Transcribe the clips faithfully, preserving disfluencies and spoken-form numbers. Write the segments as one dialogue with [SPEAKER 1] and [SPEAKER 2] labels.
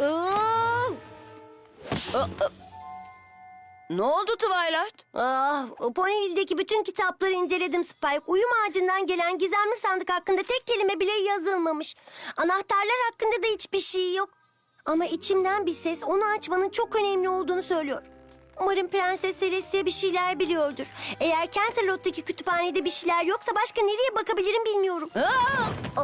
[SPEAKER 1] Iıı! Aa, aa. Ne oldu Twilight?
[SPEAKER 2] Ah, Ponyville'deki bütün kitapları inceledim Spike. Uyum ağacından gelen gizemli sandık hakkında tek kelime bile yazılmamış. Anahtarlar hakkında da hiçbir şey yok. Ama içimden bir ses onu açmanın çok önemli olduğunu söylüyor. Umarım Prenses Celestia bir şeyler biliyordur. Eğer Canterlot'taki kütüphanede bir şeyler yoksa başka nereye bakabilirim bilmiyorum.
[SPEAKER 1] Aa!
[SPEAKER 2] Oh.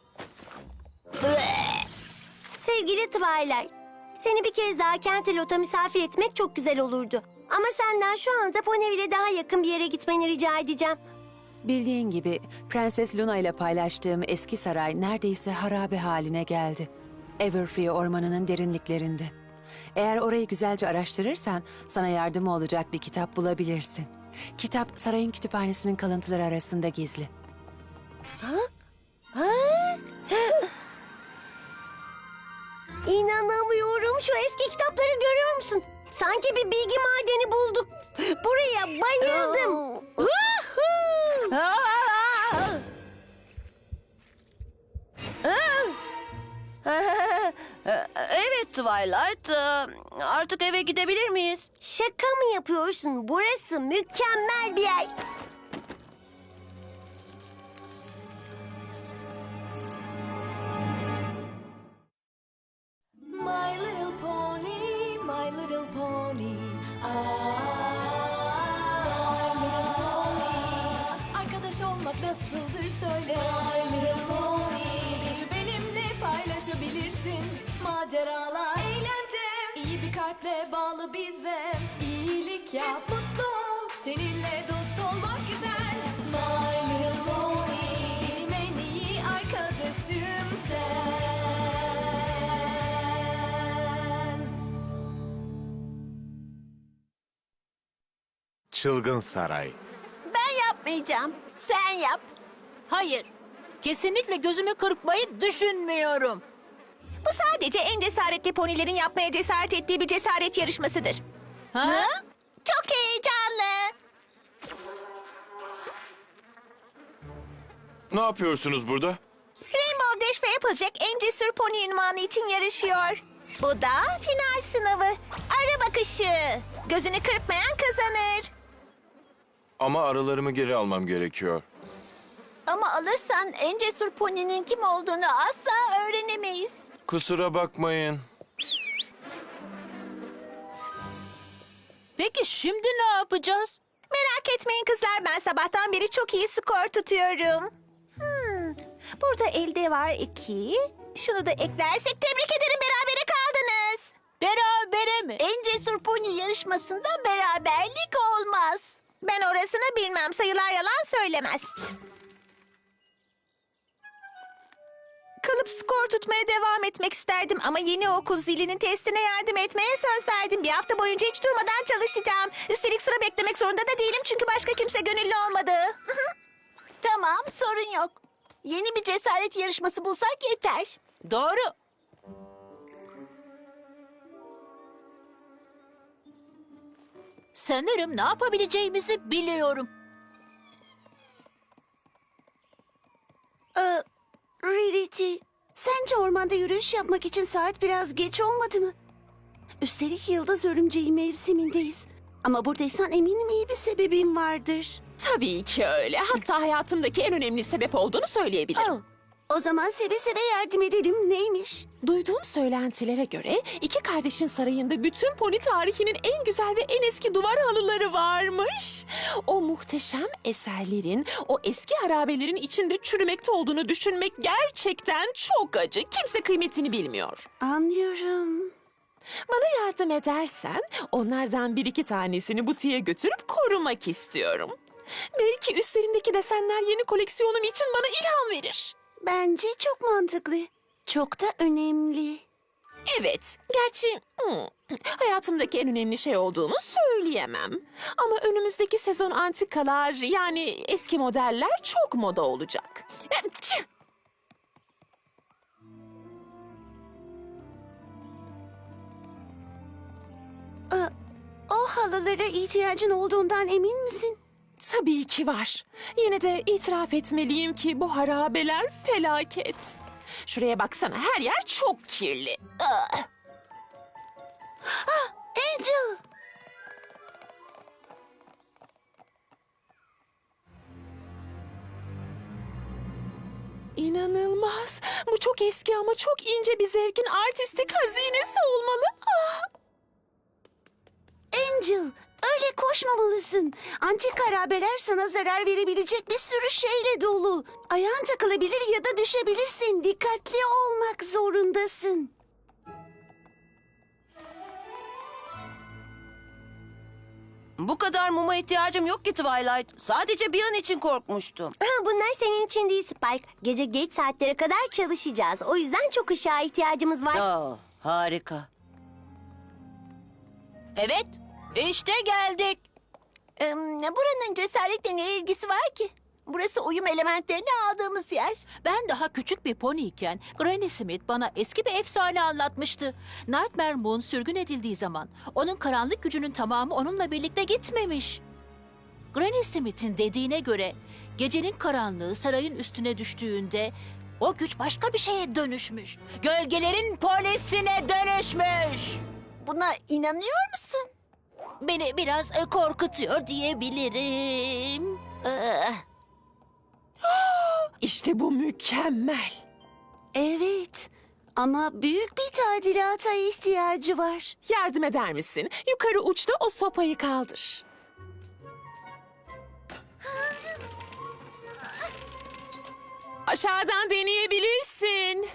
[SPEAKER 2] Sevgili Twilight, seni bir kez daha Canterlot'a misafir etmek çok güzel olurdu. Ama senden şu anda Ponyville'e daha yakın bir yere gitmeni rica edeceğim.
[SPEAKER 3] Bildiğin gibi Prenses Luna ile paylaştığım eski saray neredeyse harabe haline geldi. Everfree ormanının derinliklerinde. Eğer orayı güzelce araştırırsan sana yardımı olacak bir kitap bulabilirsin. Kitap sarayın kütüphanesinin kalıntıları arasında gizli.
[SPEAKER 2] İnanamıyorum. Şu eski kitapları görüyor musun? Sanki bir bilgi madeni bulduk. Buraya bayıldım.
[SPEAKER 1] Aa! Aa! Evet Twilight, artık eve gidebilir miyiz?
[SPEAKER 2] Şaka mı yapıyorsun? Burası mükemmel bir yer.
[SPEAKER 4] My little pony, my little pony. Ah, my little pony. Arkadaş olmak nasıldır söyle. My little pony. Gücü benimle paylaşabilirsin. Maceralar, eğlence. İyi bir kalple bağlı bize. İyilik yap, mutlu ol. Seninle dost olmak güzel. My little pony. Benim en iyi arkadaşım sen.
[SPEAKER 5] Çılgın Saray.
[SPEAKER 1] Ben yapmayacağım. Sen yap. Hayır. Kesinlikle gözümü kırpmayı düşünmüyorum. Bu sadece en cesaretli ponilerin yapmaya cesaret ettiği bir cesaret yarışmasıdır. Ha? Çok heyecanlı.
[SPEAKER 5] Ne yapıyorsunuz burada?
[SPEAKER 1] Rainbow Dash ve Applejack en cesur pony ünvanı için yarışıyor. Bu da final sınavı. Ara bakışı. Gözünü kırpmayan kazanır.
[SPEAKER 5] Ama arılarımı geri almam gerekiyor.
[SPEAKER 1] Ama alırsan en cesur poninin kim olduğunu asla öğrenemeyiz.
[SPEAKER 5] Kusura bakmayın.
[SPEAKER 1] Peki şimdi ne yapacağız? Merak etmeyin kızlar, ben sabahtan beri çok iyi skor tutuyorum. Hmm, burada elde var iki. Şunu da eklersek tebrik ederim, berabere kaldınız. Berabere mi? En cesur pony yarışmasında beraberlik olmaz. Ben orasını bilmem, sayılar yalan söylemez. Kalıp skor tutmaya devam etmek isterdim ama yeni okul zilinin testine yardım etmeye söz verdim. Bir hafta boyunca hiç durmadan çalışacağım. Üstelik sıra beklemek zorunda da değilim çünkü başka kimse gönüllü olmadı. Tamam, sorun yok. Yeni bir cesaret yarışması bulsak yeter. Doğru. Sanırım ne yapabileceğimizi biliyorum.
[SPEAKER 2] Ee, Rarity, sence ormanda yürüyüş yapmak için saat biraz geç olmadı mı? Üstelik yıldız örümceği mevsimindeyiz. Ama buradaysan eminim iyi bir sebebin vardır.
[SPEAKER 6] Tabii ki öyle. Hatta hayatımdaki en önemli sebep olduğunu söyleyebilirim.
[SPEAKER 2] Oh, o zaman seve seve yardım edelim. Neymiş?
[SPEAKER 6] Duyduğum söylentilere göre iki kardeşin sarayında bütün pony tarihinin en güzel ve en eski duvar halıları varmış. O muhteşem eserlerin, o eski harabelerin içinde çürümekte olduğunu düşünmek gerçekten çok acı. Kimse kıymetini bilmiyor.
[SPEAKER 2] Anlıyorum.
[SPEAKER 6] Bana yardım edersen onlardan bir iki tanesini butiğe götürüp korumak istiyorum. Belki üstlerindeki desenler yeni koleksiyonum için bana ilham verir.
[SPEAKER 2] Bence çok mantıklı. Çok da önemli.
[SPEAKER 6] Evet, gerçi hmm, hayatımdaki en önemli şey olduğunu söyleyemem. Ama önümüzdeki sezon antikalar, yani eski modeller çok moda olacak. Tüh!
[SPEAKER 2] Aa, o halılara ihtiyacın olduğundan emin misin?
[SPEAKER 6] Tabii ki var. Yine de itiraf etmeliyim ki bu harabeler felaket. Şuraya baksana, her yer çok kirli. Ah!
[SPEAKER 2] Ah, Angel!
[SPEAKER 6] İnanılmaz. Bu çok eski ama çok ince bir zevkin artistik hazinesi olmalı. Ah!
[SPEAKER 2] Angel, öyle koşmamalısın. Antik harabeler sana zarar verebilecek bir sürü şeyle dolu. Ayağın takılabilir ya da düşebilirsin. Dikkatli olmak zorundasın.
[SPEAKER 7] Bu kadar muma ihtiyacım yok ki Twilight. Sadece bir an için korkmuştum.
[SPEAKER 2] Bunlar senin için değil Spike. Gece geç saatlere kadar çalışacağız. O yüzden çok ışığa ihtiyacımız var.
[SPEAKER 7] Aa, harika.
[SPEAKER 1] Evet, işte geldik. Ee, buranın cesaretle ne ilgisi var ki? Burası uyum elementlerini aldığımız yer.
[SPEAKER 8] Ben daha küçük bir poniyken Granny Smith bana eski bir efsane anlatmıştı. Nightmare Moon sürgün edildiği zaman onun karanlık gücünün tamamı onunla birlikte gitmemiş. Granny Smith'in dediğine göre gecenin karanlığı sarayın üstüne düştüğünde o güç başka bir şeye dönüşmüş. Gölgelerin polisine dönüşmüş.
[SPEAKER 1] Buna inanıyor musun?
[SPEAKER 8] Beni biraz e, korkutuyor diyebilirim.
[SPEAKER 1] Ee,
[SPEAKER 6] İşte bu mükemmel.
[SPEAKER 2] Evet. Ama büyük bir tadilata ihtiyacı var.
[SPEAKER 6] Yardım eder misin? Yukarı uçta o sopayı kaldır. Aşağıdan deneyebilirsin.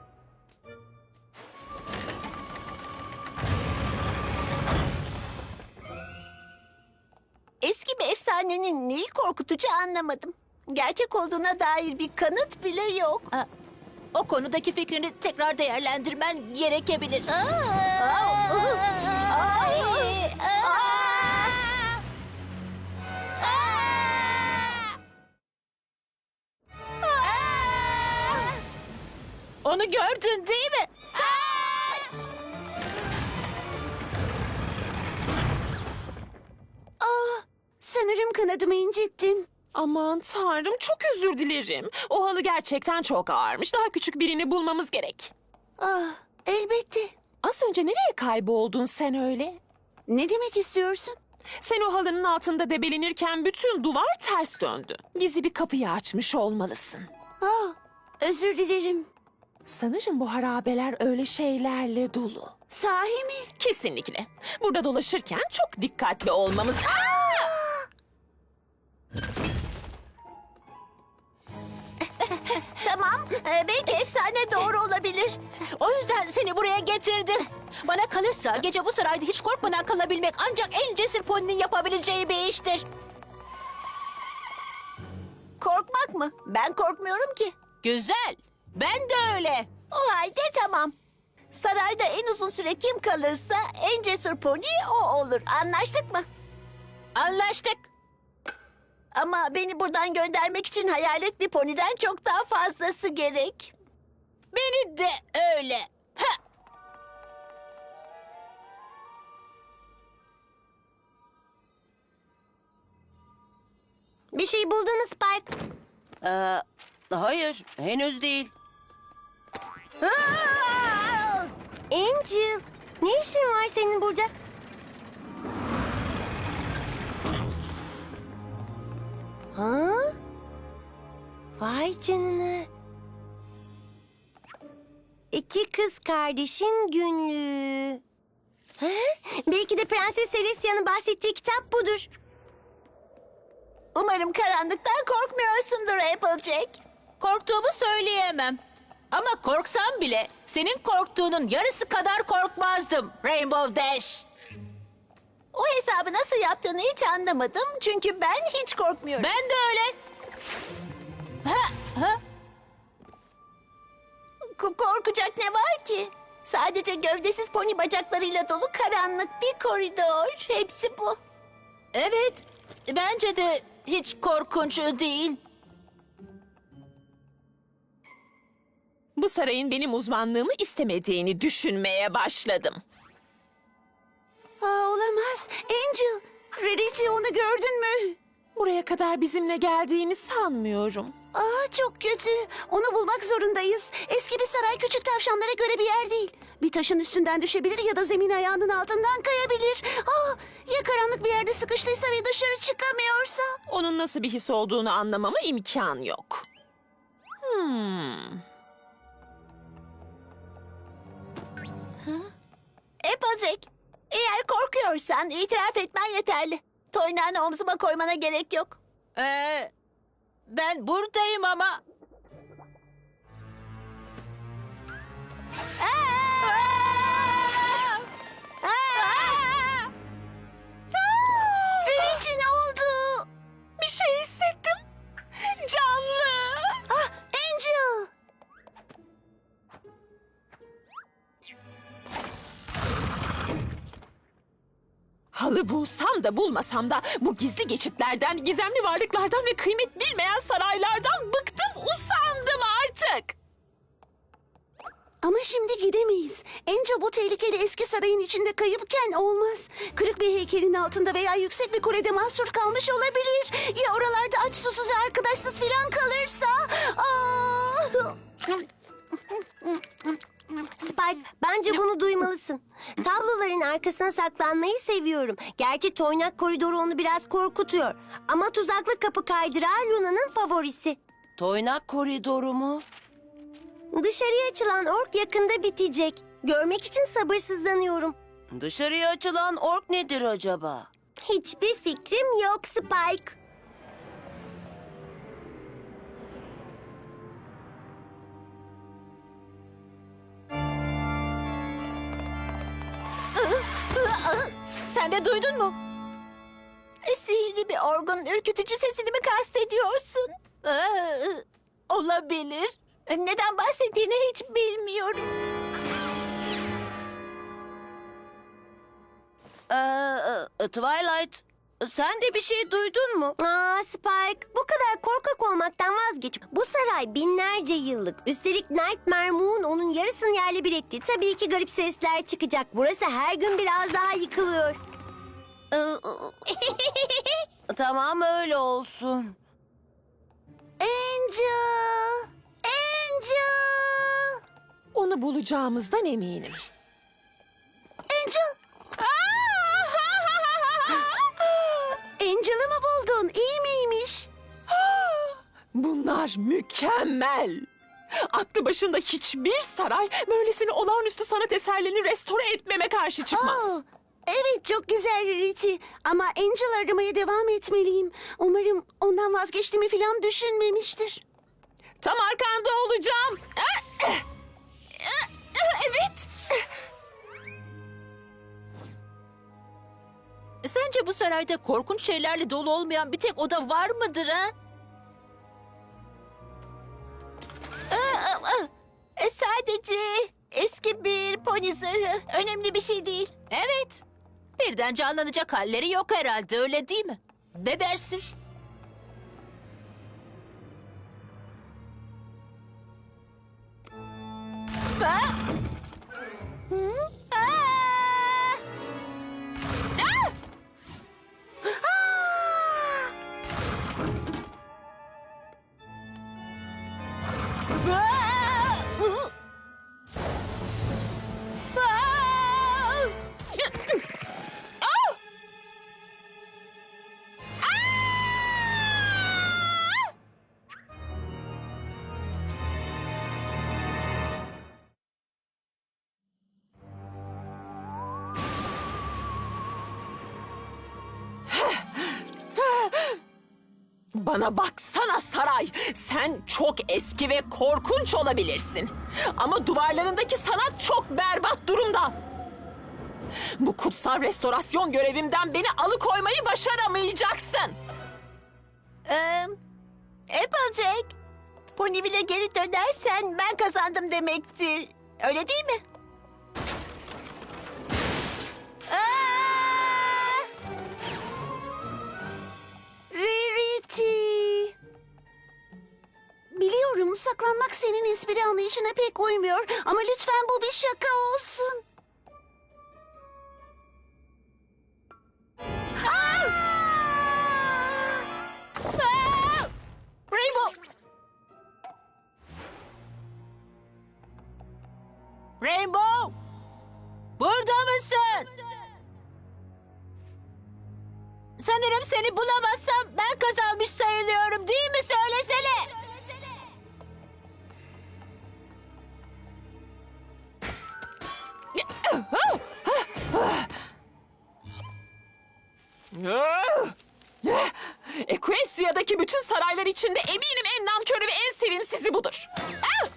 [SPEAKER 1] eski bir efsanenin neyi korkutucu anlamadım. Gerçek olduğuna dair bir kanıt bile yok.
[SPEAKER 8] Ha, o konudaki fikrini tekrar değerlendirmen gerekebilir. Onu gördün değil mi?
[SPEAKER 2] Sanırım kanadımı incittim.
[SPEAKER 6] Aman tanrım, çok özür dilerim. O halı gerçekten çok ağırmış. Daha küçük birini bulmamız gerek.
[SPEAKER 2] Ah, elbette.
[SPEAKER 6] Az önce nereye kayboldun sen öyle?
[SPEAKER 2] Ne demek istiyorsun?
[SPEAKER 6] Sen o halının altında debelenirken bütün duvar ters döndü. Gizli bir kapıyı açmış olmalısın.
[SPEAKER 2] Ah, özür dilerim.
[SPEAKER 6] Sanırım bu harabeler öyle şeylerle dolu.
[SPEAKER 2] Sahi mi?
[SPEAKER 6] Kesinlikle. Burada dolaşırken çok dikkatli olmamız...
[SPEAKER 1] Tamam, ee, belki efsane doğru olabilir.
[SPEAKER 8] O yüzden seni buraya getirdim. Bana kalırsa gece bu sarayda hiç korkmadan kalabilmek ancak en cesur poninin yapabileceği bir iştir.
[SPEAKER 1] Korkmak mı? Ben korkmuyorum ki.
[SPEAKER 8] Güzel. Ben de öyle.
[SPEAKER 1] O halde tamam. Sarayda en uzun süre kim kalırsa en cesur pony o olur. Anlaştık mı?
[SPEAKER 8] Anlaştık.
[SPEAKER 1] Ama beni buradan göndermek için hayalet bir poniden çok daha fazlası gerek.
[SPEAKER 8] Beni de öyle. Ha.
[SPEAKER 2] Bir şey buldun mu Spike?
[SPEAKER 7] Ee, hayır, henüz değil.
[SPEAKER 2] Aa! Angel, ne işin var senin burada? Ha? Vay canına. İki kız kardeşin günlüğü. Ha? Belki de Prenses Celestia'nın bahsettiği kitap budur.
[SPEAKER 1] Umarım karanlıktan korkmuyorsundur Applejack.
[SPEAKER 8] Korktuğumu söyleyemem. Ama korksam bile senin korktuğunun yarısı kadar korkmazdım Rainbow Dash.
[SPEAKER 1] O hesabı nasıl yaptığını hiç anlamadım. Çünkü ben hiç korkmuyorum.
[SPEAKER 8] Ben de öyle. Ha, ha.
[SPEAKER 1] K- korkacak ne var ki? Sadece gövdesiz pony bacaklarıyla dolu karanlık bir koridor. Hepsi bu.
[SPEAKER 8] Evet, bence de hiç korkunç değil.
[SPEAKER 6] Bu sarayın benim uzmanlığımı istemediğini düşünmeye başladım.
[SPEAKER 2] Aa, olamaz. Angel, Rarity onu gördün mü?
[SPEAKER 6] Buraya kadar bizimle geldiğini sanmıyorum.
[SPEAKER 9] Aa, çok kötü. Onu bulmak zorundayız. Eski bir saray küçük tavşanlara göre bir yer değil. Bir taşın üstünden düşebilir ya da zemin ayağının altından kayabilir. Aa, ya karanlık bir yerde sıkıştıysa ve dışarı çıkamıyorsa?
[SPEAKER 6] Onun nasıl bir his olduğunu anlamama imkan yok. Hmm.
[SPEAKER 1] Applejack, eğer korkuyorsan itiraf etmen yeterli. Toynağını omzuma koymana gerek yok.
[SPEAKER 8] Ee, ben buradayım ama...
[SPEAKER 9] Rarity ne oldu?
[SPEAKER 6] Bir şey hissettim. Canlı.
[SPEAKER 9] Ah, Angel.
[SPEAKER 6] Halı bulsam da bulmasam da bu gizli geçitlerden, gizemli varlıklardan ve kıymet bilmeyen saraylardan bıktım, usandım artık.
[SPEAKER 9] Ama şimdi gidemeyiz. Angel bu tehlikeli eski sarayın içinde kayıpken olmaz. Kırık bir heykelin altında veya yüksek bir kulede mahsur kalmış olabilir. Ya oralarda aç, susuz ve arkadaşsız falan kalırsa? Aa!
[SPEAKER 2] Spike, bence bunu duymalısın. Tabloların arkasına saklanmayı seviyorum. Gerçi toynak koridoru onu biraz korkutuyor. Ama tuzaklı kapı kaydırağı Luna'nın favorisi.
[SPEAKER 7] Toynak koridoru mu?
[SPEAKER 2] Dışarıya açılan ork yakında bitecek. Görmek için sabırsızlanıyorum.
[SPEAKER 7] Dışarıya açılan ork nedir acaba?
[SPEAKER 2] Hiçbir fikrim yok Spike.
[SPEAKER 1] Sen de duydun mu? E, Sihirli bir orgun ürkütücü sesini mi kastediyorsun? Ee, olabilir. E, Neden bahsettiğini hiç bilmiyorum.
[SPEAKER 7] Ee, e, Twilight, sen de bir şey duydun mu?
[SPEAKER 2] Aa Spike, bu kadar korkak olmaktan vazgeç. Bu saray binlerce yıllık. Üstelik Nightmare Moon onun yarısını yerle bir etti. Tabii ki garip sesler çıkacak. Burası her gün biraz daha yıkılıyor.
[SPEAKER 7] Ee, tamam, öyle olsun.
[SPEAKER 9] Angel! Angel!
[SPEAKER 6] Onu bulacağımızdan eminim.
[SPEAKER 9] Angel! Angel'ı mı buldun? İyi miymiş?
[SPEAKER 6] Bunlar mükemmel. Aklı başında hiçbir saray böylesine olağanüstü sanat eserlerini restore etmeme karşı çıkmaz.
[SPEAKER 9] Aa, evet, çok güzel Rarity. Ama Angel aramaya devam etmeliyim. Umarım ondan vazgeçtiğimi falan düşünmemiştir.
[SPEAKER 6] Tam arkanda olacağım. Evet.
[SPEAKER 8] Sence bu sarayda korkunç şeylerle dolu olmayan bir tek oda var mıdır ha?
[SPEAKER 1] E, sadece eski bir pony zırhı. Önemli bir şey değil.
[SPEAKER 8] Evet. Birden canlanacak halleri yok herhalde, öyle değil mi? Ne dersin?
[SPEAKER 6] Bana baksana saray. Sen çok eski ve korkunç olabilirsin. Ama duvarlarındaki sanat çok berbat durumda. Bu kutsal restorasyon görevimden beni alıkoymayı başaramayacaksın.
[SPEAKER 1] Ee, Applejack, Ponyville'e geri dönersen ben kazandım demektir. Öyle değil mi? Aa!
[SPEAKER 9] Rarity! Biliyorum, saklanmak senin espri anlayışına pek uymuyor. Ama lütfen bu bir şaka olsun.
[SPEAKER 8] Rainbow! Burada mısın? Sanırım seni bulamazsam ben kazanmış sayılıyorum değil mi? Söylesene.
[SPEAKER 6] Equestria'daki bütün saraylar içinde eminim en namkörü ve en sevimsizi budur. Ah!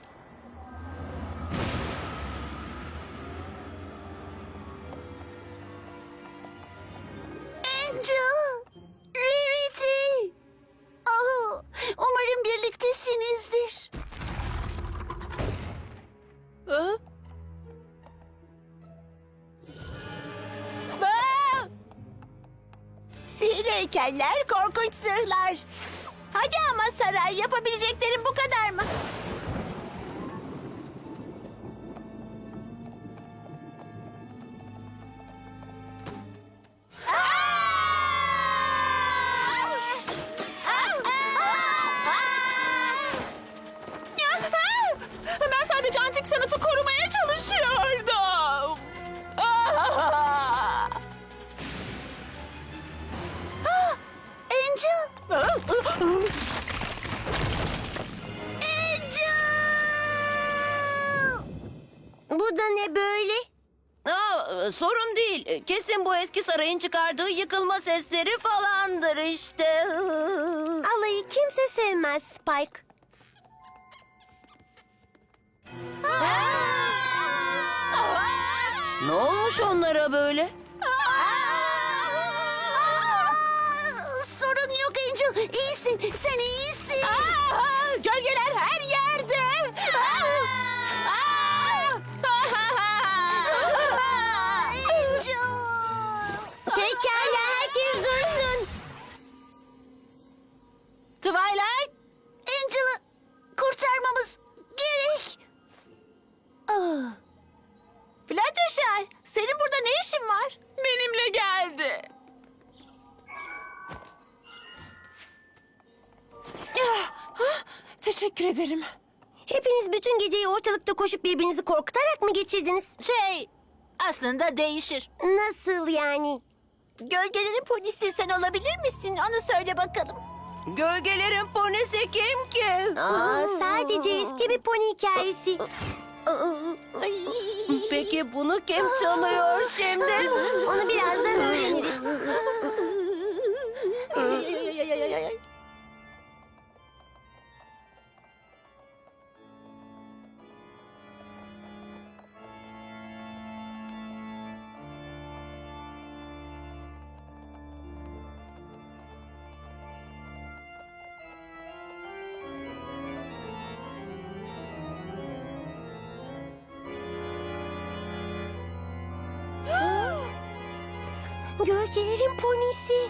[SPEAKER 9] Angel, Rarity. Oh, umarım birliktesinizdir.
[SPEAKER 8] Hı? Aa!
[SPEAKER 1] Sihirli heykeller, korkunç sırlar. Hadi ama saray, yapabileceklerin bu kadar mı?
[SPEAKER 6] Ben sadece antik sanatı korumaya çalışıyordum. Ah!
[SPEAKER 9] Angel.
[SPEAKER 2] Bu da ne böyle?
[SPEAKER 7] Aa, sorun değil. Kesin bu eski sarayın çıkardığı yıkılma sesleri falandır işte.
[SPEAKER 2] Alayı kimse sevmez Spike.
[SPEAKER 7] Ne olmuş onlara böyle?
[SPEAKER 9] Sorun yok Angel. İyisin. Sen iyisin.
[SPEAKER 8] Aa, gölgeler her yerde.
[SPEAKER 9] Angel.
[SPEAKER 2] Pekala, herkes dursun.
[SPEAKER 8] Twilight,
[SPEAKER 9] Angel'ı kurtarmamız gerek.
[SPEAKER 2] Ah. Fluttershy, senin burada ne işin var?
[SPEAKER 6] Benimle geldi. Ah, ah, teşekkür ederim.
[SPEAKER 2] Hepiniz bütün geceyi ortalıkta koşup birbirinizi korkutarak mı geçirdiniz?
[SPEAKER 8] şey aslında değişir.
[SPEAKER 2] Nasıl yani? Gölgelerin polisi sen olabilir misin? Onu söyle bakalım.
[SPEAKER 7] Gölgelerin ponisi kim ki?
[SPEAKER 2] Aa, sadece eski bir pony hikayesi.
[SPEAKER 7] Peki bunu kim çalıyor şimdi?
[SPEAKER 2] Onu birazdan öğreniriz. Gölgelerin ponisi.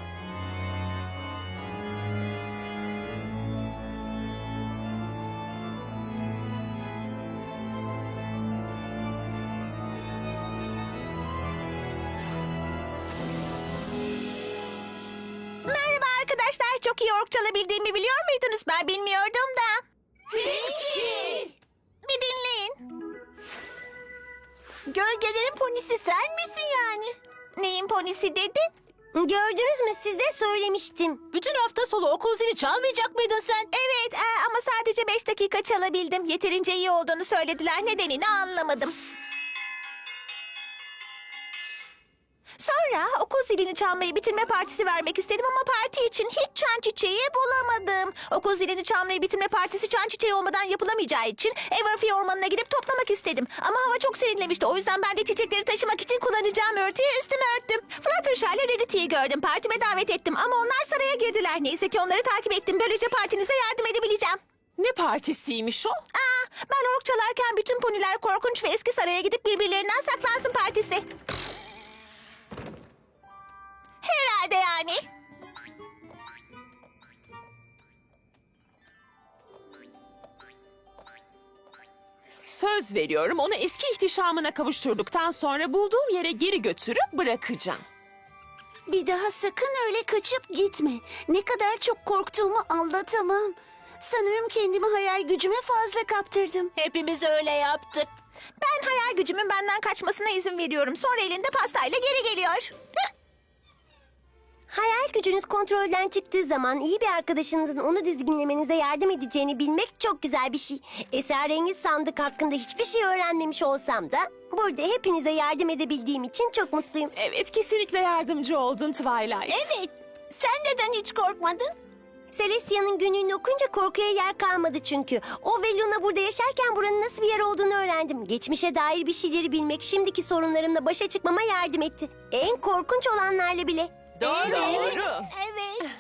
[SPEAKER 2] Merhaba arkadaşlar. Çok iyi ork çalabildiğimi biliyor muydunuz? Ben bilmiyordum da. Peki. Bir dinleyin. Gölgelerin ponisi sen misin yani? Neyin ponisi dedin? Gördünüz mü, size söylemiştim.
[SPEAKER 8] Bütün hafta sonu okul zili çalmayacak mıydın sen?
[SPEAKER 1] Evet e, ama sadece beş dakika çalabildim. Yeterince iyi olduğunu söylediler. Nedenini anlamadım. Sonra okul zilini çalmayı bitirme partisi vermek istedim ama parti için hiç çan çiçeği bulamadım. Okul zilini çalmayı bitirme partisi çan çiçeği olmadan yapılamayacağı için Everfree ormanına gidip toplamak istedim. Ama hava çok serinlemişti. O yüzden ben de çiçekleri taşımak için kullanacağım örtüyü üstüme örttüm. Fluttershy ile Rarity'yi gördüm. Partime davet ettim ama onlar saraya girdiler. Neyse ki onları takip ettim. Böylece partinize yardım edebileceğim.
[SPEAKER 6] Ne partisiymiş o?
[SPEAKER 1] Aa, ben ork çalarken bütün poniler korkunç ve eski saraya gidip birbirlerinden saklansın partisi. Herhalde yani.
[SPEAKER 6] Söz veriyorum, onu eski ihtişamına kavuşturduktan sonra bulduğum yere geri götürüp bırakacağım.
[SPEAKER 9] Bir daha sakın öyle kaçıp gitme. Ne kadar çok korktuğumu anlatamam. Sanırım kendimi hayal gücüme fazla kaptırdım.
[SPEAKER 8] Hepimiz öyle yaptık.
[SPEAKER 1] Ben hayal gücümün benden kaçmasına izin veriyorum. Sonra elinde pastayla geri geliyor.
[SPEAKER 2] Hayal gücünüz kontrolden çıktığı zaman iyi bir arkadaşınızın onu dizginlemenize yardım edeceğini bilmek çok güzel bir şey. Esrarengiz sandık hakkında hiçbir şey öğrenmemiş olsam da burada hepinize yardım edebildiğim için çok mutluyum.
[SPEAKER 6] Evet, kesinlikle yardımcı oldun Twilight.
[SPEAKER 2] Evet. Sen neden hiç korkmadın? Celestia'nın günlüğünü okunca korkuya yer kalmadı çünkü. O ve Luna burada yaşarken buranın nasıl bir yer olduğunu öğrendim. Geçmişe dair bir şeyleri bilmek şimdiki sorunlarımla başa çıkmama yardım etti. En korkunç olanlarla bile.
[SPEAKER 6] Doğru.
[SPEAKER 2] Evet.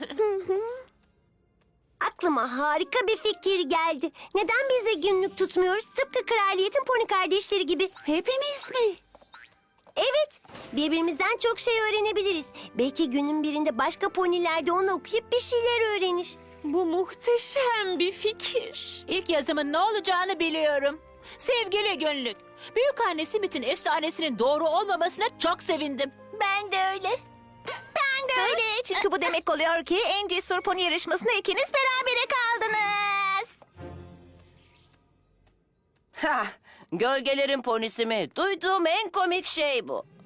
[SPEAKER 2] Aklıma harika bir fikir geldi. Neden biz de günlük tutmuyoruz? Tıpkı kraliyetin pony kardeşleri gibi. Hepimiz mi? Evet. Birbirimizden çok şey öğrenebiliriz. Belki günün birinde başka poniler de onu okuyup bir şeyler öğrenir.
[SPEAKER 6] Bu muhteşem bir fikir.
[SPEAKER 8] İlk yazımın ne olacağını biliyorum. Sevgili günlük, büyükanne Smith'in efsanesinin doğru olmamasına çok sevindim.
[SPEAKER 1] Ben de öyle. Ben de öyle. Çünkü bu demek oluyor ki en cesur pony yarışmasında ikiniz berabere kaldınız.
[SPEAKER 7] Ha, gölgelerin ponisi mi? Duyduğum en komik şey bu.